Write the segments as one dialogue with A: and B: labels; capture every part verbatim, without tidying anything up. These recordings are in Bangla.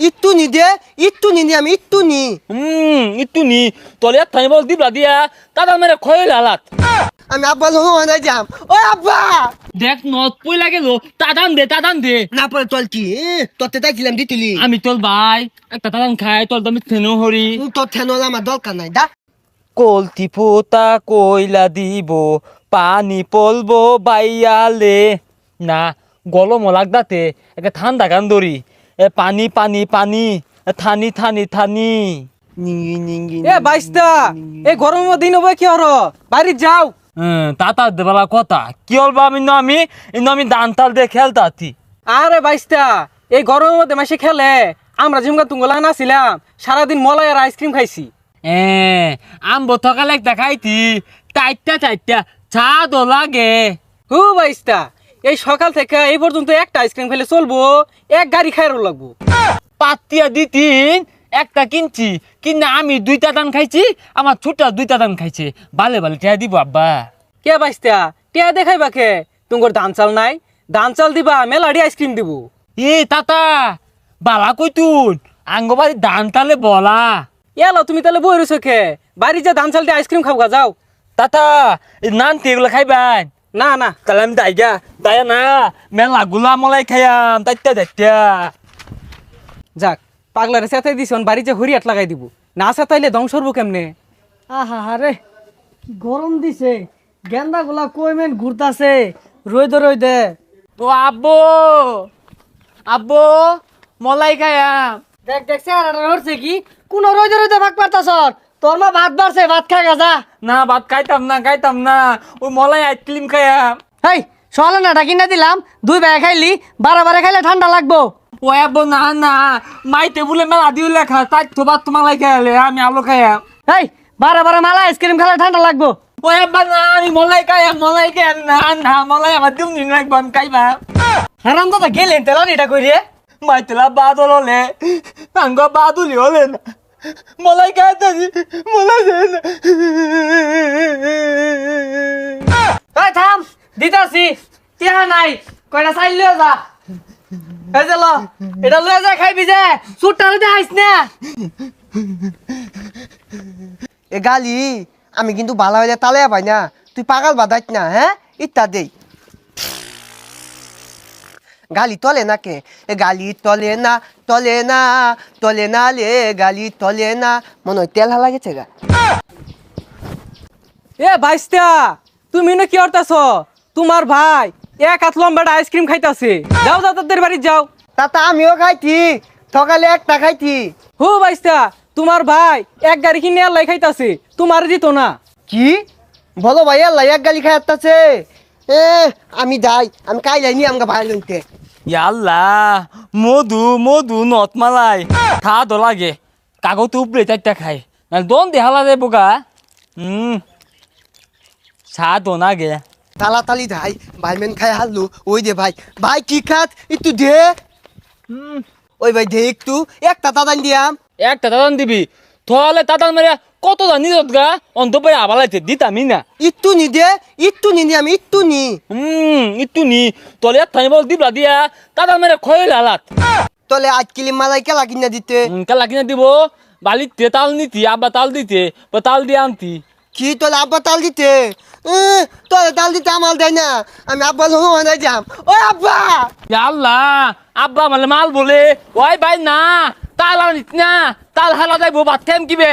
A: ইট্টু নি দে ইট্টু নি আমি ইট্টু নি
B: হুম একটু নি তোর এক থানি বল দিবলা দিয়া তারা মেরে খয়ে লালাত
A: আমি আব্বা লোক আনাই যাম ও আব্বা
B: দেখ নত পই লাগে লো তাদান দে তাদান দে
A: না পরে তোর কি তোরতে তাইছিলাম দিতুলি
B: আমি তোর ভাই একটা তাদান খাই তোর দামি থেনো হরি
A: তোর ঠেনল আমার দরকার নাই দা
B: কলতি ফোতা কইলা দিব পানি পলবো বাইয়ালে না গলম লাগদাতে একটা ঠান্ডা গান ধরি এ পানি পানি পানি এ থানি থানি থানি
A: নিঙ্গি নিঙ্গি
C: এ বাইস্তা এ গরমের দিন হবে কি হর বাড়ি যাও
B: হ্যাঁ তাতা দেবালা কথা কি হল বা আমি না আমি ইনো আমি দান তাল দিয়ে খেলতাতি
C: আরে বাইস্তা এই গরমের মধ্যে মাসে খেলে আমরা ঝুমকা তুঙ্গলা নাছিলাম সারাদিন মলাই আর আইসক্রিম খাইছি
B: এ আম্ব থকালে একটা খাইতি চারটা চারটা চা দো লাগে
C: হু বাইস্তা এই সকাল থেকে এই পর্যন্ত একটা আইসক্রিম খেলে চলবো এক গাড়ি খাইরও লাগবো
B: পাতিয়া দিতিন একটা কিনছি কিনা আমি দুইটা দান খাইছি আমার ছোট দুইটা দান খাইছে বালে বালে টিয়া দিব আব্বা
C: কে বাইস্তা টিয়া দেখাই বাকে তুঙ্গর ধান চাল নাই ধান চাল দিবা মেলাডি আইসক্রিম দিব
B: এ তাতা বালা কইতুন আঙ্গবাড়ি দান তালে বলা
C: এলো তুমি তাহলে বই রয়েছো খে বাড়ি যা ধান চাল দিয়ে আইসক্রিম খাবগা যাও
B: তাতা নান এগুলো খাইবাই
C: না না
B: তাহলে আমি দাইগা দায়া না মেলা গুলা মলাই খাইয়াম তাইতা দাইতা
C: যাক পাগলারে সেতাই দিছন বাড়ি যে হরিয়াট লাগাই দিব না সেতাইলে ধ্বংস হবো কেমনে
D: আহা হারে কি গরম দিছে গেন্দা গুলা কইমেন ঘুরতাছে রই দে রই দে
B: ও আব্বু আব্বু মলাই খাইয়াম
D: দেখ দেখ চেহারাটা হচ্ছে কি কোন রই দে রই দে ভাগ পারতাছ তোর মা ভাত বাড়ছে ভাত খা গা যা
B: না ভাত খাইতাম না খাইতাম না ওই মলাই আইসক্রিম খাইয়াম
D: হেই সকালে না ডাকি না দিলাম দুই ভাই খাইলি বারে বারে খাইলে ঠান্ডা লাগবো
B: ও আব্বু না না মাই টেবুলে মেলা দিও লেখা তাই তো ভাত তোমালাই খাইলে আমি আলো খাইয়াম
D: হেই বারে বারে মালা আইসক্রিম খেলে ঠান্ডা লাগবো
B: ও আব্বা না আমি মলাই খাইয়াম মলাই খাইয়াম না না মলাই আমার দিম দিন রাখবো আমি খাইবা
D: হারাম দাদা গেলেন তেলা এটা কই রে
B: মাই তেলা বাদল হলে আঙ্গ বাদুলি হলে না মলাই খাইতে মলাই দেয় না
D: এই থাম দিতাছি টিয়া নাই কয়টা চাইল লিয়ে যা এই যে ল এটা লয়ে যা খাইবি যে সুটটা লইতে আইস না
A: এ গালি আমি কিন্তু ভালো হইলে তালে পাই না তুই পাগল বাদাইত না হ্যাঁ ইত্যা দেই গালি তলে না কে এ গালি তলে না তলে না তলে না লে গালি তলে না মনে হয় তেল হালা গেছে গা
C: এ বাইস্তা তুমি না কি করতেছ তোমার ভাই এক হাত লম্বাটা আইসক্রিম খাইতাছে যাও যাও তাদের বাড়ি যাও
A: তাতা আমিও খাইছি সকালে একটা খাইছি
C: হু বাইস্তা তোমার ভাই এক গাড়ি কিনে আল্লাহ খাইতাছে তোমার দিত না
A: কি বলো ভাই আল্লাহ এক গালি খাই আসতেছে এ আমি যাই আমি কাই যাইনি আমাকে ভাই লইতে
B: ইয়াল্লা মধু মধু নত মালাই খা দো লাগে কাগজ উপরে চারটা খাই না দন দেহালা দে বোকা হুম চা দো না গে
A: তালা তালি যাই ভাই মেন খাই হারলু ওই দে ভাই ভাই কি খাত একটু দে
B: হুম
A: ওই ভাই দে একটু একটা তাদান দিয়াম
B: একটা তাদান দিবি তাহলে তাদান মেরে কত জানি গা অন্ত পাই আবালাইতে দিতামি না
A: একটু নি দে একটু নি আমি একটু নি
B: হুম একটু নি তোলে এক থানি বল দিবলা দিয়া তাদান মেরে খয়ে লালাত
A: তলে আজ কিলি মালাই কেলা কিনা দিতে
B: কালা কিনে দিব বালিতে তাল নিতি আব্বা তাল দিতে বা তাল দিয়ে আনতি
A: কি তোলে আব্বা তাল দিতে এ, তোলে তাল দিতে আমার দেয় না আমি আব্বা লোক আনাই যাম ও আব্বা
B: আল্লাহ আব্বা মানে মাল বলে ওই ভাই না তাল আনিস না তাল হালা যাইবো ভাত খাইম কিবে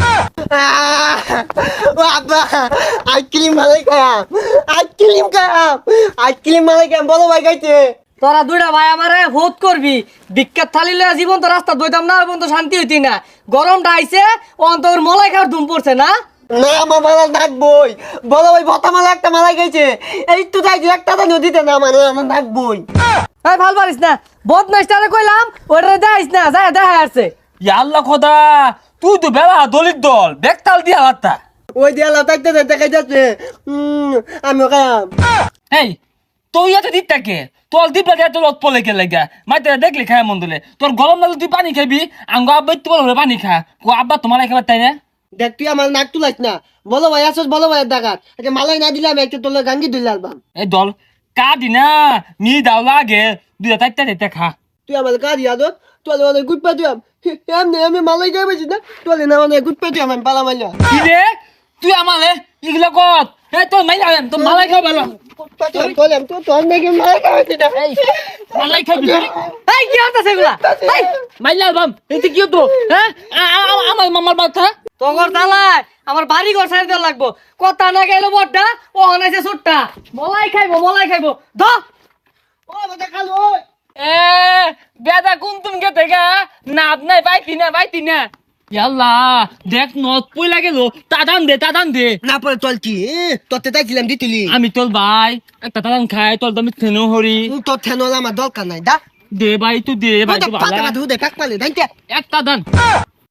A: আহ, ও আব্বা আইসক্রিম মালাই খায়াম আইসক্রিম খায়াম আইসক্রিম মালাই খায়াম বলো ভাই খাইতে
D: তোরা দুইটা ভাই আমারে ভোট করবি বিখ্যাত থালি লয়ে জীবন তো রাস্তা দইতাম না এবং তো শান্তি হইতি না গরমটা আইছে অন্তর মলাই খাওয়ার ধুম পড়ছে না
A: না আমার মালা ডাকবই বলো ভাই ভতা মালা একটা মালাই খাইছে এই তো যাই একটা তো নদীতে না মানে আমার ডাকবই
D: এই ভাল পারিস না বদ নষ্টারে কইলাম ওটা দেখাইস না যা দেখা আসছে
B: আল্লাহ খোদা তুই তো বেলা দলিত দল বেক তাল দিয়ে আলাদা
A: ওই দেয়ালা থাকতে দেখা যাচ্ছে উম, আমিও খায়াম
B: এই তুই এত দিত থাকে তোর দিবলা দিয়ে তোর পলে কে লাগা মাইতে দেখলি খায় মন দিলে তোর গরম লাগলে তুই পানি খাবি আঙ্গ আব্বা তো বলে পানি খা কো আব্বা তোমার খাবার তাই না
A: দেখ তুই আমার নাক তুলাইস না বলো ভাই আসস বলো ভাই ডাকাত আচ্ছা মালাই না দিলাম একটা তোলে গাঙ্গি দুই আলবাম
B: এই দল কাদি না মি দাও লাগে দুইটা চারটা দিতে খা
A: তুই আমার কাজ ইয়াদত তোলে মানে গুড পাতি আম এমনি আমি মালাই গায়ে বেশি না তোলে না মানে গুড পাতি আম আমি পালা মাইলা
B: কি রে তুই আমালে এগুলো কর এ তোর মাইলা তোর মালাই খাও ভালো
A: পাতি আম তোলে আম তো তোর নাকি মালাই গায়ে বেশি না
B: এই মালাই খাবি
D: এই কি হতাছে এগুলা এই
B: মাইলা বাম এতে কি হতো হ্যাঁ আ- আ- আ- আমার মামার বাচ্চা
D: তোর তালায় আমার বাড়ি ঘর সাইড দেওয়া লাগবো কথা না গেলো বড়টা ও হনাইছে ছোটটা মলাই খাইবো মলাই খাইবো ধ
A: ও বাবা খালো
B: এ বেদা কোন তুমি কে থেকে না আপনাই পাইতি না পাইতি না ইয়াল্লা দেখ নত পই লাগে লো তাদান দে তাদান দে
A: না পরে তোল কি তোতে তাই দিলাম দিতুলি
B: আমি তোর ভাই একটা তাদান খাই তোর দামি থেনো হরি
A: তোর থেনলা আমার দরকার নাই দা
B: দে ভাই তুই দে ভাই
A: ওটা
B: তুই
A: পাতা
B: ভালো
A: ধু দে কাক পালে দাইতে
B: একটা দান